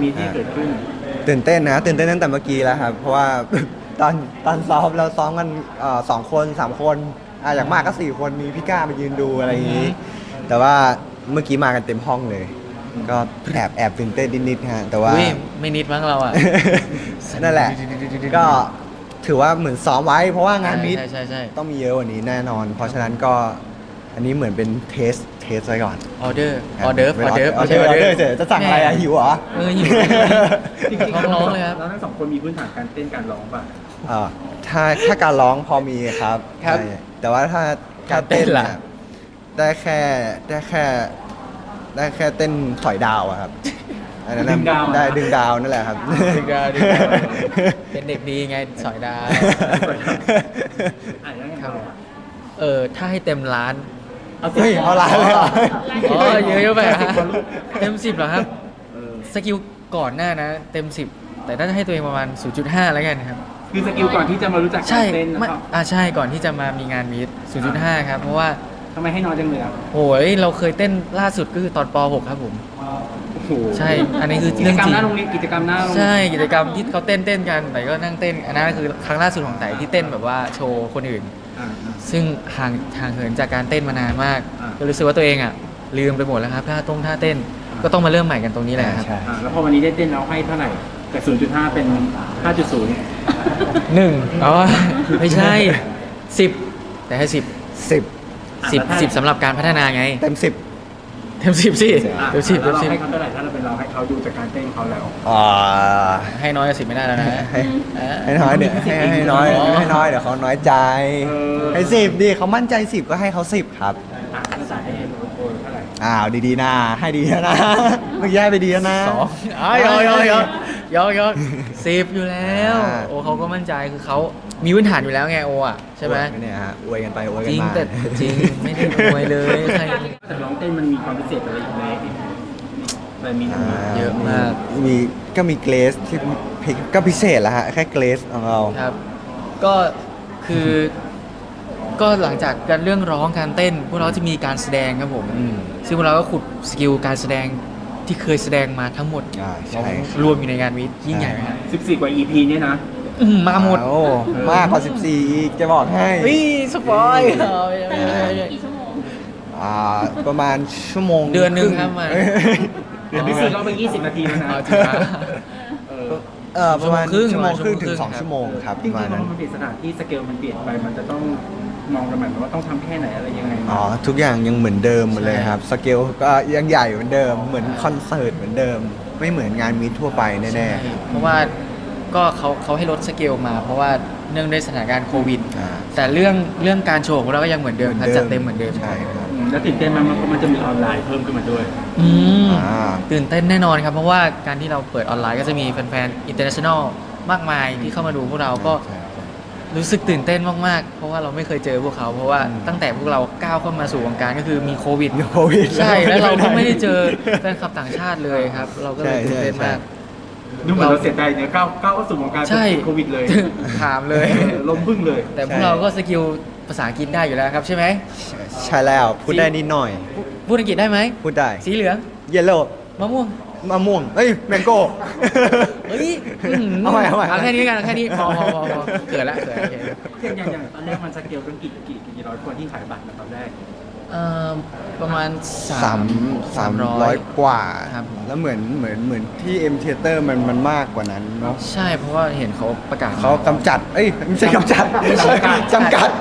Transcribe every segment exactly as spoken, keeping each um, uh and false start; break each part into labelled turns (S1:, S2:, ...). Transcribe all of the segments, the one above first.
S1: มีที่เกิดขึ้น
S2: ตื่นเต้นนะตื่นเต้นตั้งแต่เมื่อกี้แล้วครับเพราะว่า ตอนตอนซ้อมเราซ้อมกันเอ่อสองคนสามคนอ่ะอย่างมากก็สี่คนมีพี่ก้ามายืนดูอะไรอย่างนี้ แต่ว่าเมื่อกี้มากันเต็มห้องเลย ก็แอบแอบตื่นเต้นนิดๆฮะแต่ว่า
S3: อุ้ยไม่นิดมั้งเราอ่ะ
S2: นั่นแหละ ก็ถือว่าเหมือนซ้อมไว้ เพราะว่างานมิต
S3: ใช่ใช่ใช่
S2: ต้องมีเยอะกว่านี้แน่นอน เพราะฉะนั้นก็อันนี้เหมือนเป็นเทสเทสไว้ก่อน
S3: ออเดอร์ออเดอร์ออเดอร์
S2: ออเดอร์ออเดอร์เฉยจะสั่งอะไรอะหิวเหรอ
S3: เออหิว
S1: จริง
S3: ท้องร้องเลยครับ
S1: เราทั้งสองคนมีพื้นฐานการเต้นการร้องป่ะ
S2: เอ่อถ้าถ้าการร้องพอมีครับ
S3: ครับ
S2: ใช่แต่ว่าถ้าถ้า
S3: การเต้
S2: เต้น
S3: นล่ะ
S2: เนี่ยได้แค่ได้แค่ได้แค่เต้นถอยดาวอะครับอันนั้นน่ะ
S1: ดึงดาวอะ
S2: ได้ดึงดาวนั่นแหละครับ
S3: ดึงดาวดึงดาวเป็นเด็กดีไงสอยดาว
S1: อ่ะยังไง
S3: ครับ
S1: ต่ออ่ะ
S3: เออถ้าให้เต็มร้าน
S1: เอา
S2: เฮ้ยเอาล้านเลยเหรอ
S3: อ๋อเยอะเยอะไปฮะเต็มสิบเหรอครับ
S1: เออ
S3: สกิลก่อนหน้านะ เต็มสิบแต่น่าจะให้ตัวเองประมาณ ศูนย์จุดห้า แล้วกันครับ
S1: คือสกิลก่อนที่จะมารู้จักกา
S3: ใช่
S1: รเต้นนะ
S3: ไม่
S1: ครับ
S3: อ่าใช่ก่อนที่จะมามีงานมีดศูนย์จุดห้า ครับ เพราะว่า
S1: ทำไมให้น้อยจังเลยอ่ะ
S3: โอ้ยเราเคยเต้นล่าสุดก็คือตอนป .หก ครับผม
S1: โอ้โห
S3: ใช่อันนี้คือ
S1: กิจ
S3: เรื่อง
S1: กรร
S3: จ
S1: ม
S3: ริง
S1: หน้าโรงเรียนกิจกรรมหน้าโรงเรียน
S3: ใช่กิจกรรมที่เขาเต้นเต้นกันแต่ก็นั่งเต้นอันนั้นคือครั้งล่าสุดของไต่ที่เต้นแบบว่าโชว์คนอื่น
S1: อ่าอ่า
S3: ซึ่งห่างห่างเหินจากการเต้นมานานมาก
S1: อ่า
S3: ก็รู้สึกว่าตัวเองอ่ะลืมไปหมดแล้วครับท่าตรงท่าเต้นก็ต้องมาเริ่มใหม่กันตรงนี้แหละครับ
S2: ใช่
S1: อ่าแล้วพอวันนี้ได้เต้นเราให้เท่าไหร่จาก ศูนย์จุดห้า เป็น ห้าจุดศูนย์
S3: หนึ่งอ๋อไม่ใช่สิบแต่ให้สิบ
S2: สิบ
S3: สิบสิบสำหรับการพัฒนาไง
S2: เต็มสิบ
S3: เต็มสิบสิ
S1: อ่ะ
S3: เต็มสิบ
S1: แล้
S3: เต็
S1: ว
S3: ม
S1: เรา
S3: สิบ
S1: ให้เขาเท่าไหร่ถ้าเราเป็นเราให้เขาดูจากการเต้นเขาแล้ว
S2: อ่า
S3: ให้น้อยกว่าสิบไม่ได้แล้วนะ
S2: ให้
S3: อ่า
S2: ให้น้อยเดี๋ยวให้ให้น้อย
S3: อ๋อ
S2: ให้น้อยเดี๋ยวเขาน้อยใจ
S1: เออ
S2: ให้สิบดิเขามั่นใจสิบก็ให้เขาสิบครับ
S1: อ่ะแล้วจ่ายให้โอนเท่าไหร่
S2: อ้าวดีๆนะให้ดีแล้วนะเมื่อกี้ให้ไปดีแล้วนะ
S3: สองอ๋อยอยอยอยอยอสิบอยู่แล้ว
S2: อ่า
S3: โอ้เขาก็มั่นใจคือเขามีพื้นฐานอยู่แล้วไงโออ่ะใช่ไหม
S2: อวดเนี่ยฮะอวยกันไปอวย
S3: จ
S2: กัน
S3: ริง
S2: มา
S3: แต่จริงไม่ได้รวยเลยใคร
S1: แต่ร้องเต้นมันมีความพิเศษอะไรอีกไหมอะไรมี
S2: อ่า
S3: เยอะมาก
S2: มีก็มีเกรสที่ก็พิเศษแล้วฮะแค่เกรสของเรา
S3: ครับ ก็คือก็หลังจากการเรื่องร้องการเต้น พวกเราจะมีการแสดงครับผม
S2: อืม
S3: ซึ่งพวกเราก็ขุดสกิลการแสดงที่เคยแสดงมาทั้งหมด
S2: อ่าใช่ครับ
S3: รวมอยู่ในงานวิทย์ยิ่งใหญ่ไหมครับ
S1: สิบสี่กว่า อี พี เนี่ยนะ
S3: อื้อหือมาหมด
S2: โอ้มากกว่าสิบสี่อีกจะบอกให้
S3: เฮ้ยสปอยล์
S4: กี่ชั่วโมง
S2: อ่าประมาณชั่วโมง
S3: เดือนหนึ่งครับมัน
S2: เอ้ย
S1: แต่พิเศษก็ไปยี่สิบนาทีแล้วนะ
S3: เอาจริงนะ
S1: เออ
S2: เออประมาณ
S3: ชั่
S2: ชั่
S3: ว
S2: ว
S3: โม
S2: โม
S3: ง
S2: ง
S3: ค
S2: ค
S3: รึ่
S2: รึ่
S3: ง
S2: งถึงสอง
S3: ครับ
S2: ชั่วโมงครับ
S1: จ
S2: ประ
S1: ริ
S2: มาณ
S1: งๆพอ
S2: นั้น
S1: มันเปลี่ยนสถานที่สเกลมันเปลี่ยนไป มันจะต้องมองกันแบบว่าต้องทำแค่ไหนอะไรยังไง
S2: อ๋อทุกอย่างยังเหมือนเดิมหมดเลยครับ สเกลก็ยังใหญ่เหมือนเดิม เหมือนคอนเสิร์ตเหมือนเดิม ไม่เหมือนงานมีทั่วไปแน่
S3: ใช่เพราะว่าก็เขาเขาให้ลดสเกลมา เพราะว่าเนื่องด้วยสถานการณ์โควิด
S2: ๆอ่า
S3: แต่เรื่องเรื่องการโชว์ของเราก็ยังเหมือนเดิมครับจัดเต็มเหมือนเดิม
S2: ใช่ครับ
S1: อืมแล้วตื่นเต้นมากมันมันจะมีออนไลน์เพิ่มขึ้นมาด้วย
S3: อืม
S2: อ่า
S3: ตื่นเต้นแน่นอนครับ เพราะว่าการที่เราเปิดออนไลน์ก็จะมีแฟนๆ international มากมายที่เข้ามาดูพวกเราก็
S2: ใช่ครับ
S3: รู้สึกตื่นเต้นมากๆ เพราะว่าเราไม่เคยเจอพวกเขา เพราะว่า
S2: อืม
S3: ตั้งแต่พวกเราก้าวเข้ามาสู่วงการก็คือมีโควิด
S2: มีโควิด
S3: ใช่ แล้วเราก็ไม่ได้เจอแฟนคลับต่างชาติเลยครับ เราก็เลยตื่นเต้นมาก
S1: ดูเหมือนเราเสียใจเนี่ยก้าวก้าวเข้าสู่วงการ
S3: ใช่
S1: โควิดเลย
S3: ถามเลย
S1: เออลมพึ่งเลย
S3: แต่พวกเราก็สกิลภาษาอังกฤษได้อยู่แล้วครับใช่ไหม
S2: ใช่แล้วพูดได้นิดหน่อย
S3: พูดอังกฤษได้ไหม
S2: พูดได้
S3: สีเหลือง
S2: เยลโล่
S3: มะม่วง
S2: มะม่วงเอ้ยแมงโก้
S3: เฮ้ยอื้อหื
S2: เอาใหม่เอาใหม่
S3: เอาแค่นี้กันเอาแค่นี้พอพอพอพอเกิดละเกิดโอเค
S1: อย่างอย่างอย่างตอนแรกมันสเกลเป็นกี่กี่กี่ร้อยคนที่ขายบัตรนะตอนแรก
S3: เอ่อประมาณ
S2: สามสามร้อยกว่า
S3: ครับ
S2: แล้วเหมือนเหมือนเหมือนที่เอ็มเทเตอร์มันมันมากกว่านั้นเนาะ
S3: ใช่เพราะว่าเห็นเขาประกาศ
S2: เขากำจัด เอ้ยไม่ใช่กำจัด
S3: ไม่ใช่
S2: จำกัด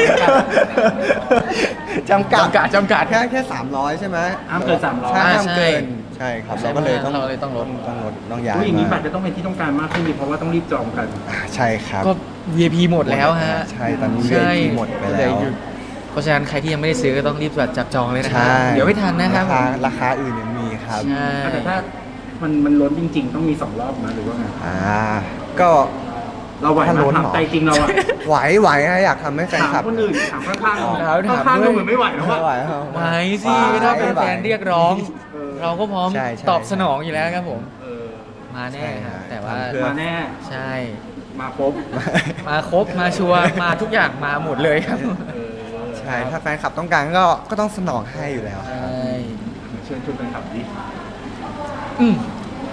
S2: จำกัด
S3: จำกัดจำกัด
S2: แค่แค่สามร้อยใช่ไหม
S1: ห้ามเกินสามร้อย
S2: ใช่
S3: อ่า
S2: ห้ามเกิน
S3: ใช่
S2: ใช่ครับ
S3: ใช่
S2: เราก็เลยต้อง
S3: เราเลยต้องลด
S2: ต้องลดต้องย้าย
S1: ผู้อย่างนี้บั
S2: มา
S1: ตรจะต้องเป็นที่ต้องการมากขึ้นดีเพราะว่าต้องรีบจองกัน
S2: ใช่ครับ
S3: ก็ วี ไอ พี หมดแล้วฮะ
S2: ใช่ตอนนี้
S3: ใช่
S2: วี ไอ พี หมดไปแล้ว
S3: เหออยู่เพราะฉะนั้นใครที่ยังไม่ได้ซื้อก็ต้องรีบจับจองเลยนะครั
S2: ใช่
S3: เดี๋ยวไม่ทันนะครับ
S2: ราคาราคาอื่นยังมีครับ
S3: ใช่
S1: แต่ถ้ามันมันล้นจริง ๆ ต้องมีสองรอบนะหรือว่าไง
S2: อ่าก็
S1: เราไหว
S2: ถ้า
S1: ไหม
S2: ล้น
S1: ถาม
S2: เหรอ
S1: ใจจริงเราอะ
S2: ไหวไหวฮะอยากทำให้แฟน
S1: ถาม
S2: คลับ
S1: คนอื่นถามข้างๆ
S2: อ๋อ
S1: เราข้างๆเราเหมือนไม่ไหวแล้ว
S2: ไม่
S1: อะ
S2: ไหวครับ
S3: ไหวสิถ้าเป็นแฟนเรียกร้อง
S1: เออ
S3: เราก็พร้อม
S2: ใช่ใช่
S3: ตอบสนองอยู่แล้วครับผม
S1: เออ
S3: มาแน่
S2: ใช่
S3: ครับ
S2: ฮะ
S3: แต่ว่า
S2: ทำเพื่อ
S1: มาแน่
S3: ใช่
S1: มาครบ
S3: มาครบมาชัวร์มาทุกอย่างมาหมดเลยครับ
S1: เออ
S2: ใช่ถ้าแฟนคลับต้องการก็ก็ต้องสนองให้อยู่แล้ว
S3: ใช่
S1: เชิญชวนแฟนคลับดิ
S3: อืม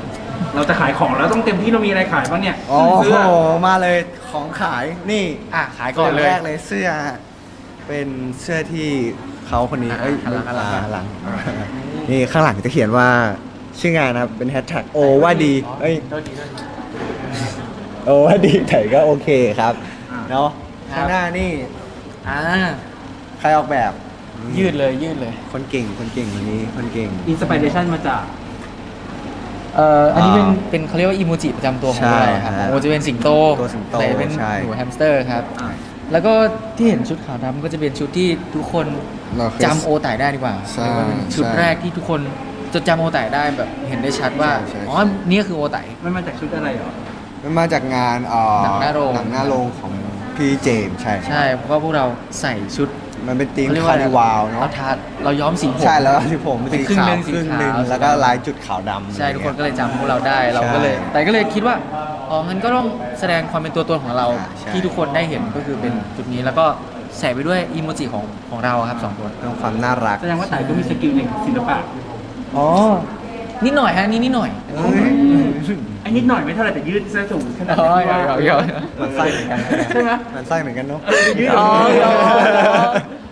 S1: เราจะขายของแล้วต้องเต็มที่เรามีอะไรขายบ้างเนี่ย
S2: โอ้
S1: เสื้
S2: โห
S1: อ
S2: มาเลยของขายนี่
S3: อ่ะขายก่อนเลย
S2: แรกเลยเสื้อ เป็นเสื้อที่เขาคนนี้
S3: อ่ะ
S2: เอ้ย
S3: หันหลังหันหลัง
S2: อ่าหลังนี่ข้างหลังจะเขียนว่าชื่องานนะครับเป็นแฮชแท็กโอว่าดีเอ้ย
S3: โทษทีโทษที
S2: โอว่าดีแต่ก็โอเคครับ
S1: อ่า
S2: เนาะ
S3: ครับ
S2: ข้างหน้านี่
S3: อ่า
S2: ใครออกแบบ
S3: ยืดเลยยืดเลย
S2: คนเก่งคนเก่งคนนี้คนเก่ง
S1: อินสปิเรชันมาจาก
S3: เอ่ออันนี้เป็น
S2: อ่า
S3: เป็นเขาเรียกว่าอีโมจิประจำตัวของ
S2: ใช่
S3: เราครับ
S2: ฮะ
S3: โอจะเป็นสิงโต
S2: ตัวสิงโต
S3: แต่เป็น
S2: ใช่
S3: หนูแฮมสเตอร์ครับ
S1: อ่า
S3: แล้วก็ที่เห็นชุดขาวดำก็จะเป็นชุดที่ทุกคน
S2: เราเคย
S3: จำโอไต่ได้ดีกว่า
S2: ใช่
S3: เรียกว่าเป็นชุด
S2: ใช่
S3: แรกที่ทุกคนจะจำโอไต่ได้แบบเห็นได้ชัดว่า
S2: ใช่ใช่
S3: อ๋อนี่คือโอไต่
S1: มันมาจากชุดอะไรเหรอ
S2: มันมาจากงานเอ่อ
S3: หนังหน้าโรง
S2: หนังหน้าโรงของพี่เจมส์ใช่
S3: ใช่เพราะว่าพวกเราใส่ชุด
S2: มันเป็นธีม
S3: เขเรียก
S2: คาร์นิวาลเนาะ
S3: เราทาเราย้อมสีผม
S2: ใช่แล้วที่ผม
S3: เป็น
S2: สี
S3: ครึ่ง
S2: ขา
S3: ห
S2: ว
S3: นึ่งสี
S2: ครึ่งหนึ่ง
S3: ขาว
S2: แล้วก็ลายจุดขาวดำ
S3: ใช่ทุกคนก็
S2: อะไร
S3: เลย
S2: เงี้ย
S3: จำพวกเราได้เราก็เลย
S2: ใช่
S3: แต่ก็เลยคิดว่าอ๋องั้นก็ต้องแสดงความเป็นตัวตนของเรา
S2: อ่าใช่
S3: ที่ทุกคนได้เห็นก็คือเป็นจุดนี้แล้วก็ใส่ไปด้วยอีโมจิของของเราครับสองคน
S2: เรื่องความน่ารัก
S1: แสดงว่าไต่ก็มีสกิลในศิลปะ
S3: อ๋อนิดหน่อยฮะนี่นิดหน่อย
S2: เอ้ย
S1: ไอ้นิดหน่อยไม่เท่าไหร่แต่ยืดเสื้อสูงขนาด
S3: อ๋อ
S1: นี้ว่า
S3: เดี๋ยวเดี๋ยว
S2: มันไส้เหมือนกัน
S1: ใช่ไหม
S2: มันไส้เหมือนกันเนาะ
S1: ยืด
S3: อ๋อ
S1: อย่างนี้
S3: อ๋อ